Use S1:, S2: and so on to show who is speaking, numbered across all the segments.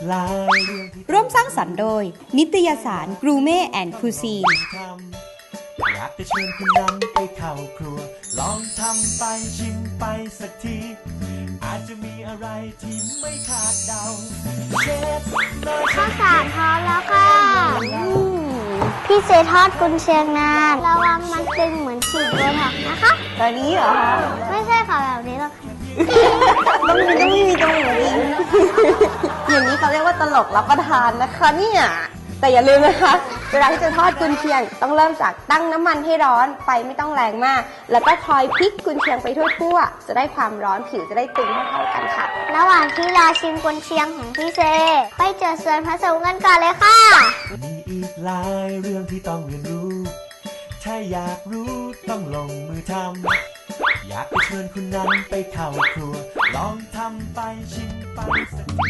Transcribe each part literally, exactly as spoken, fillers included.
S1: ร่วมสร้างสรรค์โดยนิตยสารกรูเม่แอนด์คูซีน
S2: อยากจะเชิญคุณนั้นไปเข้าครัวลองทำไปชิมไปสักทีอาจจะมีอะไรที่ไม่คาดเดาเชฟน้อย
S3: ข้าวสารพร้อมแล้วค่ะพี่เซทอดกุนเชียงนานระวังมันตึงเหมือนฉีดโบท็อกซ์นะคะ
S1: ตอนนี้เหรอคะ
S3: ไม่ใช่ค่ะแบบนี้หรอกค่ะ
S1: ต้องมีต้องมีตรงไหนอีกอย่างนี้เขาเรียกว่าตลกรับประทานนะคะเนี่ยแต่อย่าลืมนะคะเวลาที่จะทอดกุนเชียงต้องเริ่มจากตั้งน้ำมันให้ร้อนไฟไม่ต้องแรงมากแล้วก็คอยพลิกกุนเชียงไปทั่วๆจะได้ความร้อนผิวจะได้ตึงเท่าๆกันค่ะ
S3: ระหว่างที่รอชิมกุนเชียงของพี่เซไปเจอส่วนผสมกันก่อนเลยค่ะ
S2: มีอีกหลายเรื่องที่ต้องเรียนรู้ถ้าอยากรู้ต้องลงมือทำอยากจะเชิญคุณนั้นไปเข้าครัวลองทำไปชิมไปสักที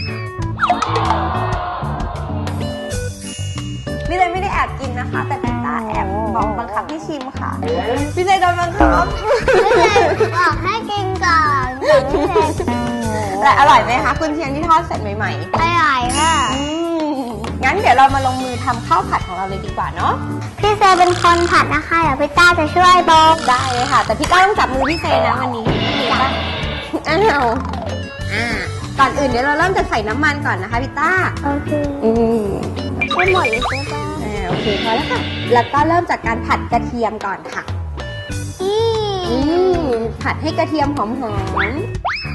S1: พี่เลยไม่ได้แอบกินนะคะแต่พี่ตาแอบบอกบังคับให้ชิมค่ะพี่เลยโดนบังคับ
S3: พี่เซบอกให้กินก่อนพี่เซ
S1: แต่อร่อยไหมคะกุนเชียงที่ทอดเสร็จใหม่
S3: ๆอร่อยค่ะ
S1: งั้นเดี๋ยวเรามาลงมือทำข้าวผัดของเราเลยดีกว่าเนาะ
S3: พี่เซเป็นคนผัดนะคะเดี๋ยวพี่ต้าจะช่วยบอก
S1: ได้เลยค่ะแต่พี่ต้าต้องจับมือพี่เซนะวันนี้อ้าวอ่าก่อนอื่นเดี๋ยวเราเริ่มจะใส่น้ำมันก่อนนะคะพี่ต้า
S3: โอเค
S1: อืม
S3: ไม่หมดเลยใช่ไหม
S1: อ่าโอเคพอแล้วค่ะแล้วก็เริ่มจากการผัดกระเทียมก่อนค่ะ
S3: อื
S1: มผัดให้กระเทียมหอมๆ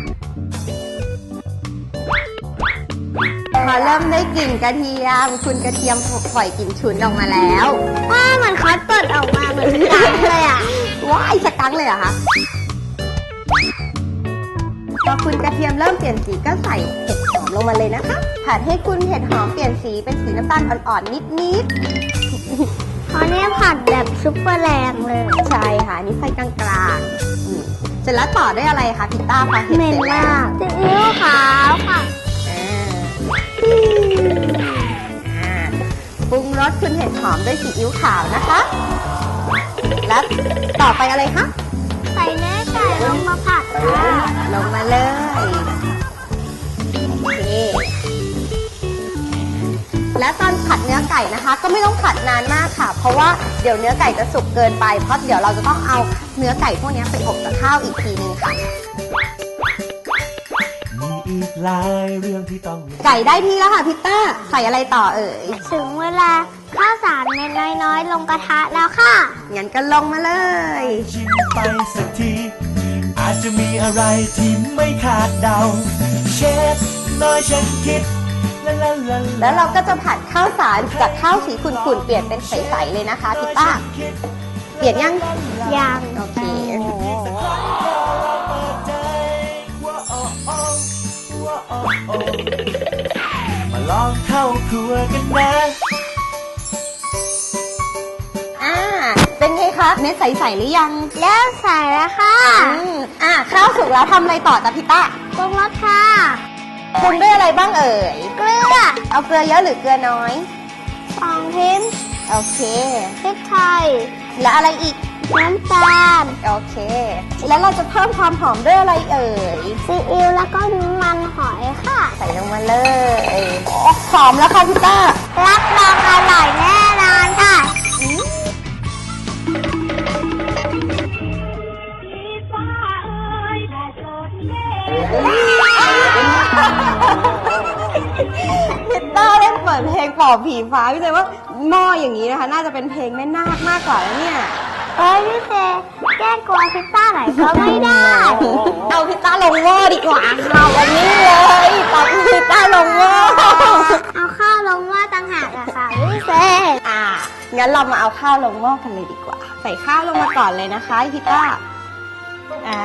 S1: พอเริ่มได้กลิ่นกระเทียมคุณกระเทียมปล่อยกลิ่นฉุนออกมาแล้ว
S3: ว้ามันคัดเปิดออกมาเหมือนสกังเลยอ่ะ
S1: ว้ายสกังเลยเหรอคะพอคุณกระเทียมเริ่มเปลี่ยนสีก็ใส่เห็ดหอมลงมาเลยนะคะผัดให้คุณเห็ดหอมเปลี่ยนสีเป็นสีน้ำตาลอ่อนๆนิด
S3: ๆเพราะนี่ผัดแบบซุปเปอร์แรงเลย
S1: ใช่ค่ะนี่ไฟกลางๆเสร็จแล้วต่อด้วยอะไรคะพิต้าพอเห็ด
S3: เสร็จแล้วซีอิ๊วขาวค่ะ
S1: ปรุงรสคุณเห็ดหอมด้วยซีอิ๊วขาวนะคะแล้วต่อไปอะไรคะ
S3: ใส่เนื้อไก่ลงมาผัดค่ะ
S1: ลงมาเลยโอเคและตอนผัดเนื้อไก่นะคะก็ไม่ต้องผัดนานมากค่ะเพราะว่าเดี๋ยวเนื้อไก่จะสุกเกินไปเพราะเดี๋ยวเราจะต้องเอาเนื้อไก่พวกนี้ไปอบกับข้าวอีกทีนึงค่ะ
S2: อีกหลายเรื่องที่ต้อง
S1: ไก่ได้ที่แล้วค่ะพิต้าใส่อะไรต่อเอ่ย
S3: ถึงเวลาข้าวสารเม็ดน้อยๆลงกระทะแล้วค่ะ
S1: งั้นก็ลงมาเลย
S2: ชิมไปสักทีอาจจะมีอะไรที่ไม่คาดเดาเชฟน้อยฉันคิด
S1: แล้วเราก็จะผัดข้าวสารจากข้าวสีขุ่นๆเปลี่ยนเป็นใสๆเลยนะคะพิต้าเปลี่ยนยัง
S3: ยัง
S1: โอเค
S2: มาลองเข้าครัวกันนะ
S1: อ่าเป็นไงคะเม็ดใสๆหรือยัง
S3: เริ่มใส่แล้วค่ะ
S1: อืมอ่าข้าวสุกแล้วทำอะไรต่อจ๊ะพี่ต้า
S3: ปรุงรสค่ะ
S1: ปรุงด้วยอะไรบ้างเอ่ย
S3: เกลือ
S1: เอาเกลือเยอะหรือเกลือน้อย
S3: สองพิมพ์
S1: โอเค
S3: พริกไทย
S1: และอะไรอีก
S3: น้ำตาล
S1: โอเคแล้วเราจะเพิ่มความหอมด้วยอะไรเอ่ย
S3: ซีอิ๊วแล้วก็น้ำมันหอยค่ะ
S1: ใส่ลงมาเลยหอมแล้วค่ะพี่ต้า
S3: รับรองอร่อยแน่นอนค่ะ
S1: พิตต้าเล่นเปิดเพลงปอบผีฟ้าพี่เจว่าหม้ออย่างนี้นะคะน่าจะเป็นเพลงแม่นาคมากกว่าแล้วเนี่ย
S3: เอ้ยพี่เจแก้กลัวพิตต้าไหนก็ไม่ได้
S1: เอาพิตต้าลงหม้อดีกว่าค่ะวันนี้เลยปอบพิตต้าลงหม้อ
S3: เอาข้าวลงหม้อต่างหากอะค่ะพี่เจ
S1: อ่างั้นเรามาเอาข้าวลงหม้อกันเลยดีกว่าใส่ข้าวลงมาก่อนเลยนะคะพิตต้าอ่า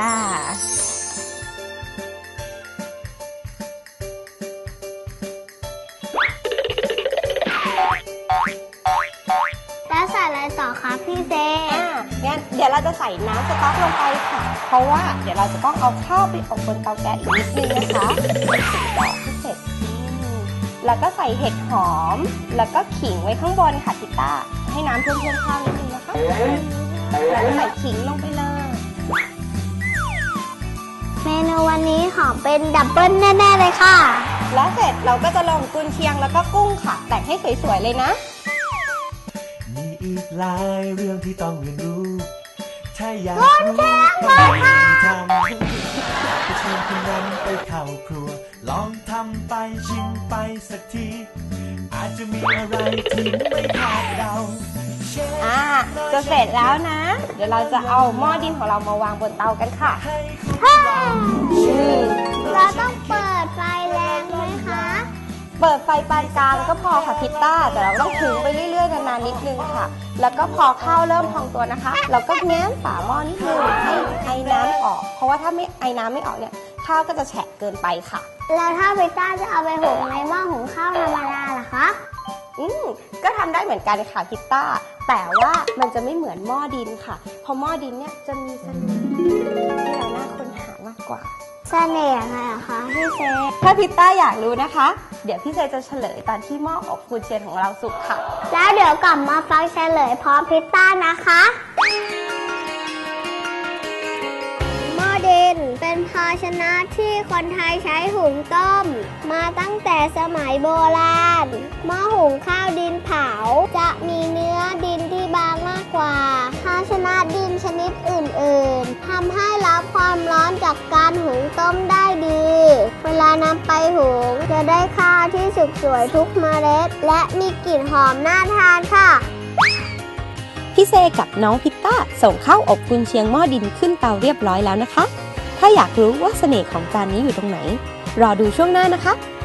S3: แล้วใส่อะไรต่อคะพี่เซ
S1: อ่างั้นเดี๋ยวเราจะใส่น้ำสต๊อกลงไปค่ะเพราะว่าเดี๋ยวเราจะต้องเอาข้าวไปอบบนเตาแก๊สอีกนิดนึงนะคะต่อที่เสร็จแล้วก็ใส่เห็ดหอมแล้วก็ขิงไว้ข้างบนค่ะพิต้าให้น้ำท่วมๆข้าวนิดนึงนะคะแล้วก็ใส่ขิงลงไปเลย
S3: เมนูวันนี้หอมเป็นดับเบิ้ลแน่ๆเลยค่ะ
S1: และเสร็จเราก็จะลงกุนเชียงแล้วก็กุ้งค่ะ แต่งให้สวยๆเลยนะ
S2: มีอีกหลายเรื่องที่ต้องเรียนรู้ ถ้าอยากรู้ต้องลงมือทำไปชวนคุณนั้นไปเข้าครัว ลองทำไปชิมไปสักที อาจจะมีอะไรที่ไม่คาดเดา
S1: อ่า จะเสร็จแล้วนะ เดี๋ยวเราจะเอาหม้อดินของเรามาวางบนเตากันค่ะ
S3: เราต้องเปิดไฟแรงไหมคะ
S1: เปิดไฟปานกลางก็พอค่ะพิตต้า แต่เราต้องถึงไปเรื่อยๆนานๆนิดนึงค่ะ แล้วก็พอข้าวเริ่มพองตัวนะคะ เราก็แง้มฝาหม้อนิดนึงให้ไอ้น้ำออก เพราะว่าถ้าไม่ไอ้น้ำไม่ออกเนี่ยข้าวก็จะแฉะเกินไปค่ะ
S3: แล้วถ้าพิต้าจะเอาไปหุงในหม้อหุงข้าวธรรมดาล่ะคะ
S1: อืมก็ทำได้เหมือนกันค่ะพิตต้า แต่ว่ามันจะไม่เหมือนหม้อดินค่ะ เพราะหม้อดินเนี่ยจะมีเสน่ห์ที่เราน่าค้นหามากกว่า
S3: เสน่ห์อะไรอะคะพี่เซ
S1: ถ้าพิตต้าอยากรู้นะคะ เดี๋ยวพี่เซจะเฉลยตอนที่หม้ออบกุนเชียงของเราสุกค่ะ
S3: แล้วเดี๋ยวกลับมาฟังเฉลยพร้อมพิต้านะคะหม้อดินเป็นภาชนะที่คนไทยใช้หุงต้ม มาตั้งแต่สมัยโบราณหม้อหุงข้าวดินเผาจะมีเนื้อดินที่บางมากกว่า ภาชนะดินชนิดอื่นๆทำให้รับความร้อนจากการหุงต้มได้ดี เวลานำไปหุงจะได้ข้าวที่สุกสวยทุกเมล็ด และมีกลิ่นหอมน่าทานค่ะ
S1: พี่เซกับน้องพิตต้าส่งข้าวอบกุนเชียงหม้อดินขึ้นเตาเรียบร้อยแล้วนะคะ ถ้าอยากรู้ว่าเสน่ห์ของจานนี้อยู่ตรงไหน รอดูช่วงหน้านะคะ